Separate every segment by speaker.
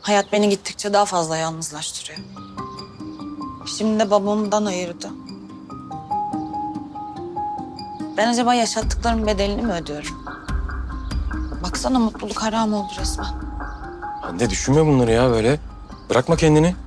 Speaker 1: Hayat beni gittikçe daha fazla yalnızlaştırıyor. Şimdi de babamdan ayırdı. Ben acaba yaşattıklarımın bedelini mi ödüyorum? Baksana mutluluk haram oldu resmen.
Speaker 2: Hande düşünme bunları ya böyle. Bırakma kendini.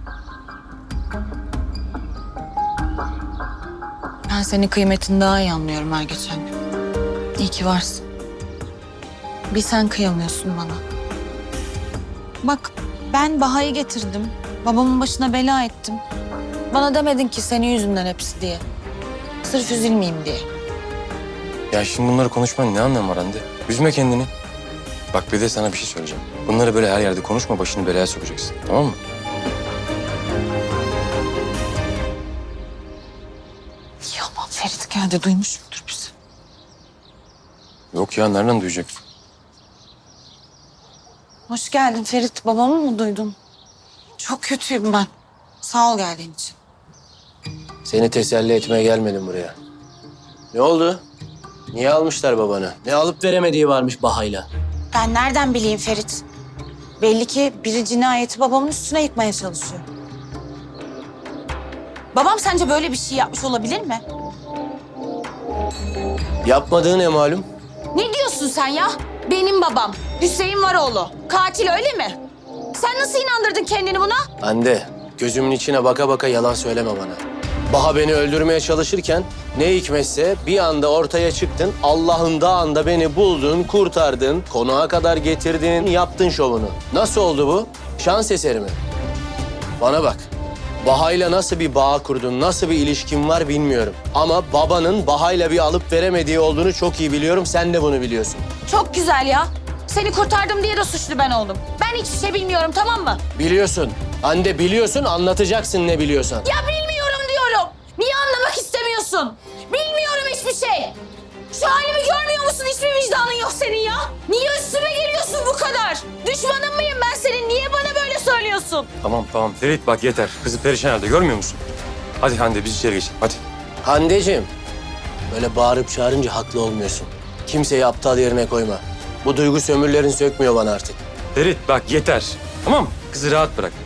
Speaker 1: Ben senin kıymetini daha iyi anlıyorum her geçen gün. İyi ki varsın. Bir sen kıyamıyorsun bana. Bak ben Baha'yı getirdim. Babamın başına bela ettim. Bana demedin ki senin yüzünden hepsi diye. Sırf üzülmeyeyim diye.
Speaker 2: Ya şimdi bunları konuşmanın ne anlamı var Hande? Üzme kendini. Bak bir de sana bir şey söyleyeceğim. Bunları böyle her yerde konuşma, başını belaya sokacaksın. Tamam mı?
Speaker 1: Yaman Ferit geldi duymuş mudur bizi?
Speaker 2: Yok ya, nereden duyacak?
Speaker 1: Hoş geldin Ferit. Babamı mı duydun? Çok kötüyüm ben. Sağ ol geldiğin için.
Speaker 3: Seni teselli etmeye gelmedim buraya. Ne oldu? Niye almışlar babanı? Ne alıp veremediği varmış Baha'yla.
Speaker 1: Ben nereden bileyim Ferit? Belli ki biri cinayeti babamın üstüne yıkmaya çalışıyor. Babam sence böyle bir şey yapmış olabilir mi?
Speaker 3: Yapmadığı ne malum?
Speaker 1: Ne diyorsun sen ya? Benim babam Hüseyin Varoğlu. Katil öyle mi? Sen nasıl inandırdın kendini buna?
Speaker 3: Hande, gözümün içine baka baka yalan söyleme bana. Baha beni öldürmeye çalışırken ne hikmetse bir anda ortaya çıktın. Allah'ın dağında beni buldun, kurtardın, konağa kadar getirdin, yaptın şovunu. Nasıl oldu bu? Şans eseri mi? Bana bak. Baha'yla nasıl bir bağ kurdun, nasıl bir ilişkin var bilmiyorum. Ama babanın Baha'yla bir alıp veremediği olduğunu çok iyi biliyorum. Sen de bunu biliyorsun.
Speaker 1: Çok güzel ya. Seni kurtardım diye de suçlu ben oldum. Ben hiçbir şey bilmiyorum tamam mı?
Speaker 3: Biliyorsun. Hande biliyorsun, anlatacaksın ne biliyorsan.
Speaker 1: Ya bilmiyorum diyorum. Niye anlamak istemiyorsun? Bilmiyorum hiçbir şey. Şu halimi görmüyor musun? Hiçbir vicdanın yok senin ya. Niye üstüme geliyorsun bu kadar? Düşmanın mıyım ben senin? Niye bana böyle söylüyorsun?
Speaker 2: Tamam Ferit bak yeter. Kızı perişan halde görmüyor musun? Hadi Hande biz içeri geçelim hadi.
Speaker 3: Handeciğim, böyle bağırıp çağırınca haklı olmuyorsun. Kimseyi aptal yerine koyma. Bu duygu sömürlerin sökmüyor bana artık.
Speaker 2: Ferit bak yeter. Tamam mı? Kızı rahat bırak.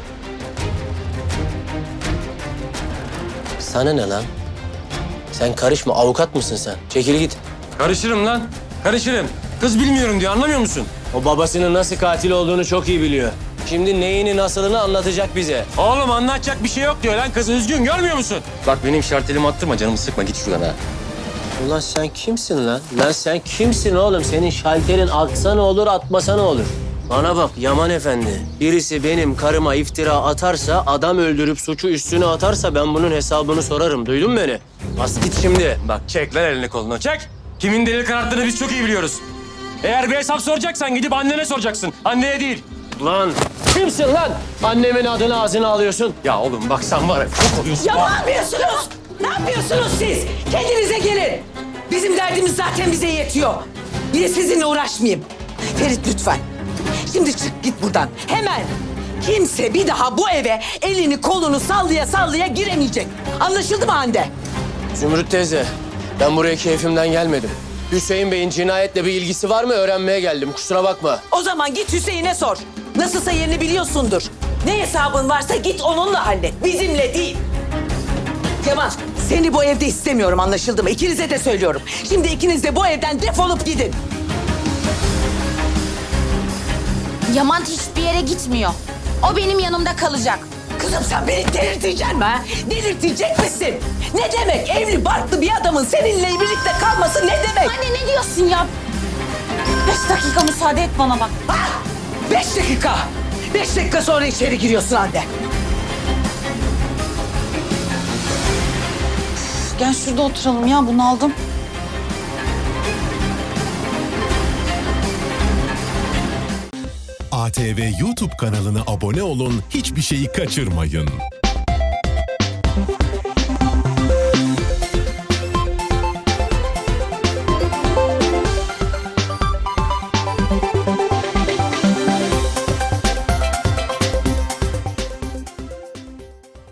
Speaker 3: Sana ne lan? Sen karışma, avukat mısın sen? Çekil git.
Speaker 2: Karışırım lan. Karışırım. Kız bilmiyorum diyor anlamıyor musun?
Speaker 3: O babasının nasıl katil olduğunu çok iyi biliyor. Şimdi neyini nasılını anlatacak bize.
Speaker 2: Oğlum anlatacak bir şey yok diyor lan. Kız üzgün görmüyor musun? Bak benim şartelimi attırma canımı sıkma git şuradan ha.
Speaker 3: Ulan sen kimsin lan? Lan sen kimsin oğlum? Senin şalterin atsa ne olur, atmasa ne olur? Bana bak Yaman Efendi. Birisi benim karıma iftira atarsa, adam öldürüp suçu üstüne atarsa ben bunun hesabını sorarım. Duydun mu beni? Bas git şimdi.
Speaker 2: Bak çek lan elini kolunu çek. Kimin delil kararttığını biz çok iyi biliyoruz. Eğer bir hesap soracaksan gidip annene soracaksın. Anneye değil.
Speaker 3: Lan kimsin lan? Annemin adını ağzına alıyorsun.
Speaker 2: Ya oğlum bak sen var ya çok oluyorsun.
Speaker 4: Ya ne yapıyorsunuz? Ne yapıyorsunuz siz? Kendinize gelin. Bizim derdimiz zaten bize yetiyor. Bir de sizinle uğraşmayayım. Ferit lütfen. Şimdi çık git buradan. Hemen. Kimse bir daha bu eve elini kolunu sallaya sallaya giremeyecek. Anlaşıldı mı Hande?
Speaker 3: Zümrüt teyze, ben buraya keyfimden gelmedim. Hüseyin Bey'in cinayetle bir ilgisi var mı öğrenmeye geldim. Kusura bakma.
Speaker 4: O zaman git Hüseyin'e sor. Nasılsa yerini biliyorsundur. Ne hesabın varsa git onunla hallet. Bizimle değil. Yaman, seni bu evde istemiyorum anlaşıldı mı? İkinize de söylüyorum. Şimdi ikiniz de bu evden defolup gidin.
Speaker 1: Yaman hiçbir yere gitmiyor. O benim yanımda kalacak.
Speaker 4: Kızım sen beni delirteceksin mi ha? Delirtecek misin? Ne demek evli barklı bir adamın seninle birlikte kalması ne demek?
Speaker 1: Anne ne diyorsun ya? 5 dakika müsaade et bana bak.
Speaker 4: Ha? 5 dakika. 5 dakika sonra içeri giriyorsun Hande.
Speaker 1: Gel şurada oturalım ya bunaldım.
Speaker 5: ATV YouTube kanalına abone olun, hiçbir şeyi kaçırmayın.